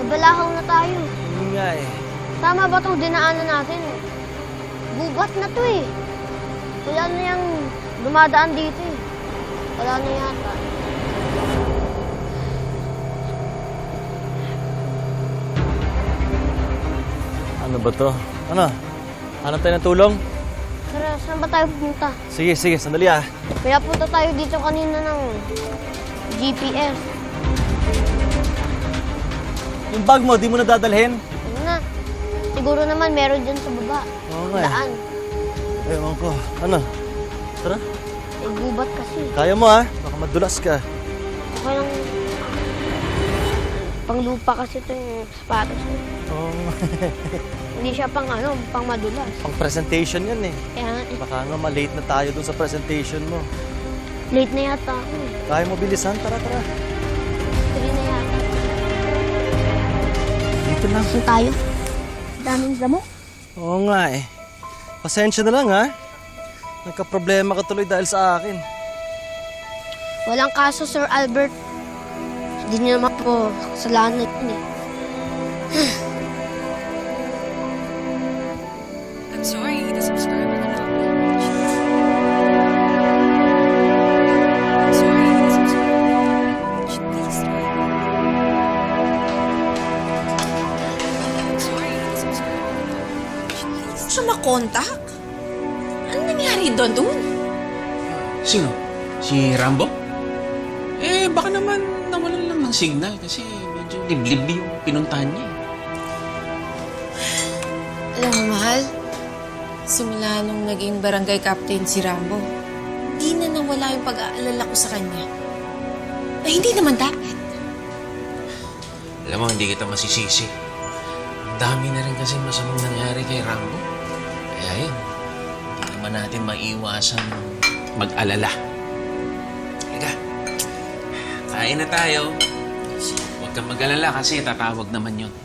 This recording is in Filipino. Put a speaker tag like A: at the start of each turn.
A: Nabalahaw na tayo.
B: Yun nga eh.
A: Tama ba itong dinaanan natin? Gubat na to eh. Wala na yung dumadaan dito eh. Wala na yata.
B: Ano ba to? Ano? Hanap tayo ng tulong?
A: Tara, saan ba tayo pupunta?
B: Sige, sige. Sandali ah.
A: Pinapunta tayo dito kanina ng GPS.
B: Yung bag mo, di mo na dadalhin?
A: Ano na? Siguro naman meron dyan sa baba.
B: Oo nga eh.
A: Daan.
B: Ewan ko. Ano? Tara.
A: Eh, gubat kasi.
B: Kaya mo ah. Baka madulas ka.
A: Okay lang. Panglupa kasi ito yung sapatos ko.
B: Oo.
A: Hindi siya pang pang madulas.
B: Pang presentation yan eh.
A: Kaya nga eh,
B: Baka nga ma-late na tayo dun sa presentation mo.
A: late na yata ako eh.
B: Kaya mo bilisan? Tara, tara.
A: 3 na yata.
B: Dito lang.
A: Saan tayo? Daming damo.
B: Oo nga eh. Pasensya na lang ha. Nagka-problema ka tuloy dahil sa akin.
A: Walang kaso, Sir Albert. Hindi niyo naman po kasalanan yun eh.
C: I'm sorry, the subscriber cannot be reached. I'm sorry, the subscriber cannot be reached. Please try. I'm sorry, the subscriber cannot be reached. Please try.
D: Siya makontak? Ano nangyari doon?
E: Sino? Si Rambo? Eh, baka naman nawalan lang ng signal kasi medyo liblib yung pinuntahan niya.
D: Alam mo, mahal, simula nung naging barangay captain si Rambo, hindi na nawala yung pag-aalala ko sa kanya. Ay, hindi naman dapat.
E: Alam mo, hindi kita masisisi. Ang dami na rin kasi masamang nangyari kay Rambo. Kaya yun, hindi naman natin maiiwasan mag-alala. Ika, kain na tayo. Huwag kang mag-alala kasi tatawag naman yun.